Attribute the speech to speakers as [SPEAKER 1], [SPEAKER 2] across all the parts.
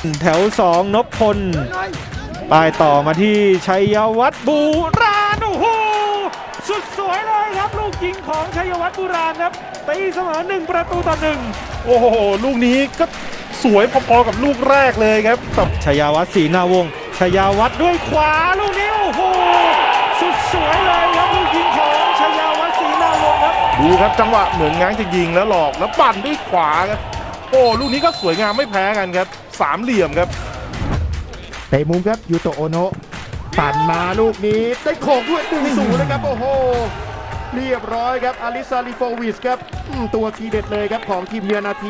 [SPEAKER 1] แถว2นพพลปลายต่อมาที่ชัยวัฒน์บูราณโอ้โหสุดสวยเลยครับลูกยิงของชัยวัฒน์บูราณครับตีเสมอ1-1โอ้โหลูกนี้ก็สวยพอๆกับลูกแรกเลยครับชัยวัฒน์ศรีนาวงศ์ชัยวัฒน์ด้วยขวาลูกนี้โอ้โหสุดสวยเลยครับลูกยิงของชัยวัฒน์ศรีนาวงศ์ครับ
[SPEAKER 2] ดูครับจังหวะเหมือนง้างจะยิงแล้วหลอกแล้วปั่นด้วยขวาครับโอ้ลูกนี้ก็สวยงามไม่แพ้กันครับสามเหลี่ยมครับ
[SPEAKER 3] เตะมุมครับยูโตะโอโนะปั่นมาลูกนี้ได้โขกด้วย1-0นะครับโอ้โหเรียบร้อยครับอาริซาลิโฟวิชครับตัวทีเด็ดเลยครับของทีมเยือนนาที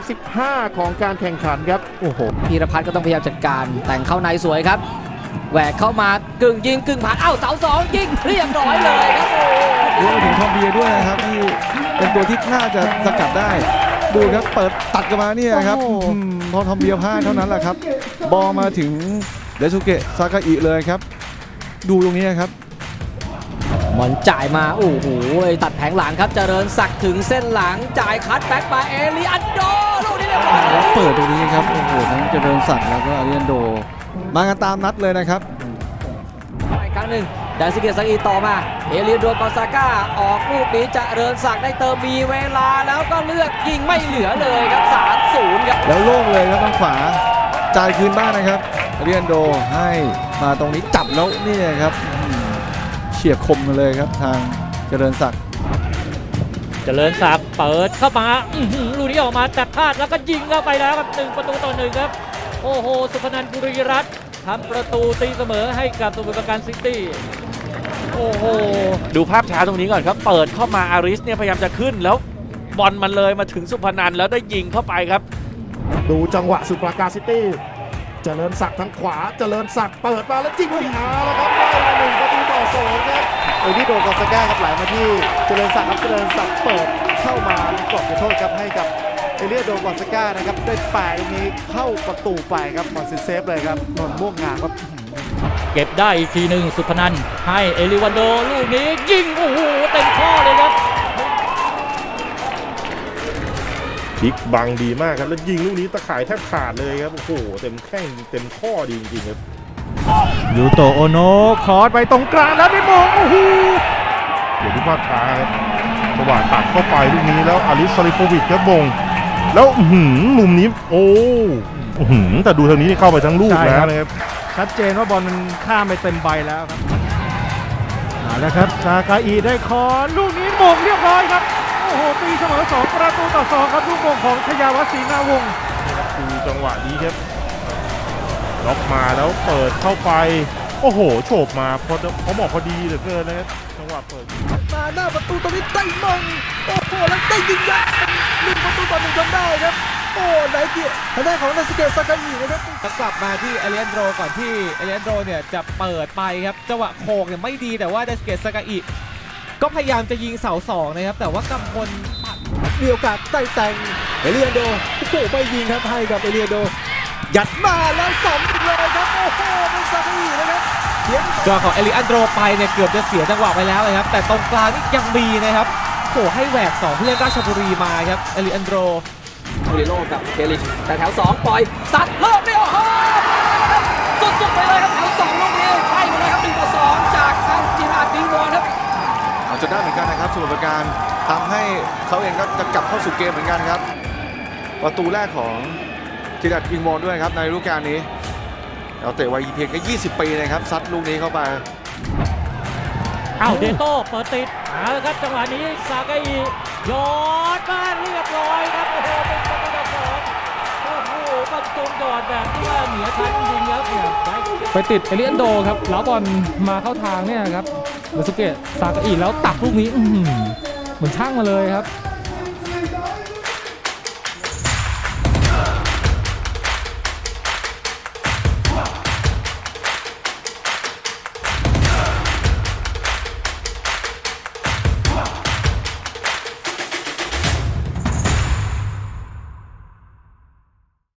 [SPEAKER 3] 35ของการแข่งขันครับโอ้โห
[SPEAKER 4] พีรพัฒน์ก็ต้องพยายามจัดการแต่งเข้าในสวยครับแหวกเข้ามากึ่งยิงกึ่งผ่านเสาสองยิงเรียบร้อยเลยครับ
[SPEAKER 5] รวมถึงทอมเบียด้วยนะครับที่เป็นตัวที่น่าจะสกัดได้ดูครับเปิดตัดกันมาเนี่ยครับพอทอมเบียพลาดเท่านั้นแหละครับบอลมาถึงเดซุเกะซากาอิเลยครับดูตรงนี้ครับ
[SPEAKER 4] บอลจ่ายมาโอ้โหตัดแผงหลังครับเจริญศักดิ์ถึงเส้นหลังจ่ายคัดแบ็กมาเอลิอันโดลูกนี้เรียบร้อย
[SPEAKER 5] แล้วเปิดตรงนี้ครับโอ้โหทั้งเจริญศักดิ์แล้วก็อาริอันโดมากันตามนัดเลยนะครับ
[SPEAKER 4] อีกครั้งหนึ่งไดซิเกะซากาอิต่อมาเอลิอันโดกอซาก้าออกลูกนี้เจริญศักดิ์ได้เติมมีเวลาแล้วก็เลือกยิงไม่เหลือเลยครับ3-0ครับ
[SPEAKER 5] แล้วโล่งเลยครับทางขวาจ่ายคืนบ้านนะครับอาริอันโดให้มาตรงนี้จับแล้วนี่ครับเฉียบคมมาเลยครับทางเจริญศักดิ์
[SPEAKER 6] เปิดเข้ามาลูกนี้ออกมาแต่พลาดแล้วก็ยิงเข้าไปแล้วครับ1-1ครับโอ้โหสุพนันท์ บุรีรัตน์ทำประตูตีเสมอให้กับสมุทรปราการซิตี้โอ้โห
[SPEAKER 7] ดูภาพช้าตรงนี้ก่อนครับเปิดเข้ามาอาริสเนี่ยพยายามจะขึ้นแล้วบอลมันเลยมาถึงสุพนันท์แล้วได้ยิงเข้าไปครับ
[SPEAKER 3] ดูจังหวะสมุทรปราการซิตี้เจริญศักดิ์ทางขวาเจริญศักดิ์เปิดมาแล้วจิ้งไปหาแล้วครับได้มา1-2ครับ
[SPEAKER 8] เอลิโดกอซาก้าครับไหลมาที่เจริญศักดิ์ครับเจริญศักดิ์เปิดเข้ามาในกรอบโทษครับให้กับเอลิโดกอซาก้านะครับได้แปะตรงนี้เข้าประตูไปครับมอนซิเซฟเลยครับนนม่วงงามครับ
[SPEAKER 6] เก็บได้อีกทีหนึ่งสุพนันท์ให้เอลิวันโดลูกนี้ยิงโอ้โหเต็มข้อเลยครับ
[SPEAKER 2] พลิกบังดีมากครับแล้วยิงลูกนี้ตะข่ายแทบขาดเลยครับโอ้โหเต็มแข้งเต็มข้อดีจริงๆครับ
[SPEAKER 1] ยูโตะโอโนะคอร์สไปตรงกลางแล้วได้มงโอ้โห
[SPEAKER 2] เดี๋ยวดูภาพช้าครับจังหวะตัดเข้าไปลูกนี้แล้วอาริสซาลิโฟวิชครับบงแล้วมุมนี้โอ้แต่ดูทางนี้เข้าไปทั้งลูกแล้วนะครับ
[SPEAKER 1] ชัดเจนว่าบอลมันข้ามไปเต็มใบแล้วครับแล้วครับซากาอิได้คอร์ลูกนี้มงเรียบร้อยครับโอ้โหตีเสมอ2-2ครับลูกมงของชัยวัฒน์ศรีนาวงศ์
[SPEAKER 2] ดูจังหวะนี้ครับล็อกมาแล้วเปิดเข้าไปโอ้โหโฉบมาเขาบอกพอดีเหลือเกินนะครับจังหวะเปิด
[SPEAKER 3] มาหน้าประตูตรงนี้ได้มงโอ้โหแล้วได้ยิงยัด1-1จนได้ครับโอ้ไนเกียทางด้านของนาซิเกะซากาอินะครับ
[SPEAKER 9] กลับมาที่เอเลียนโดก่อนที่เอเลียนโดเนี่ยจะเปิดไปครับจังหวะโคกเนี่ยไม่ดีแต่ว่านาซิเกะซากาอิก็พยายามจะยิงเสา2นะครับแต่ว่ากำพล
[SPEAKER 3] มีโอกาสได้แต่งเอเลียนโดโอ้โหไม่ยิงครับให้กับเอเลียนโดยัดมาแล้ว2เลยครับโอ้โหเป็นซากาอินะครับ
[SPEAKER 9] จังหวะของเอลิอันโดไปเนี่ยเกือบจะเสียจังหวะไปแล้วเลยครับแต่ตรงกลางนี่ยังมีนะครับโอ้ให้แหวก2ผู้เล่นราชบุรีมาครับเอลิอันโด
[SPEAKER 4] โอริโลกับเคลิชแต่แถว2ปล่อยสัดโลกนี่โอ้โหสุดๆไปเลยครับแถว2ลูกนี้ให้มาเลยครับ1-2จากทางจิราดดิงวอนครับ
[SPEAKER 5] เอาจนได้เหมือนกันนะครับสมุทรปราการทำให้เขาเองก็จะกลับเข้าสู่เกมเหมือนกันครับประตูแรกของจิราดดิงวอนด้วยครับในฤดูกาลนี้เราเตะวัยเพียงแค่20 ปีนะครับซัดลูกนี้เข้าไป
[SPEAKER 6] เดโต้เปิดติดครับจังหวะนี้ซากาอิยอดมาเรียบร้อยครับโอ้โหเป็นประตูที่2โอ้โหประตูยอดแบบที่ว่าเหนือชั้นจริงๆครับ
[SPEAKER 10] ไปติดเอลิอันโดครับแล้วบอลมาเข้าทางเนี่ยครับนาซุเกะซากาอิแล้วตักลูกนี้เหมือนช่างมาเลยครับ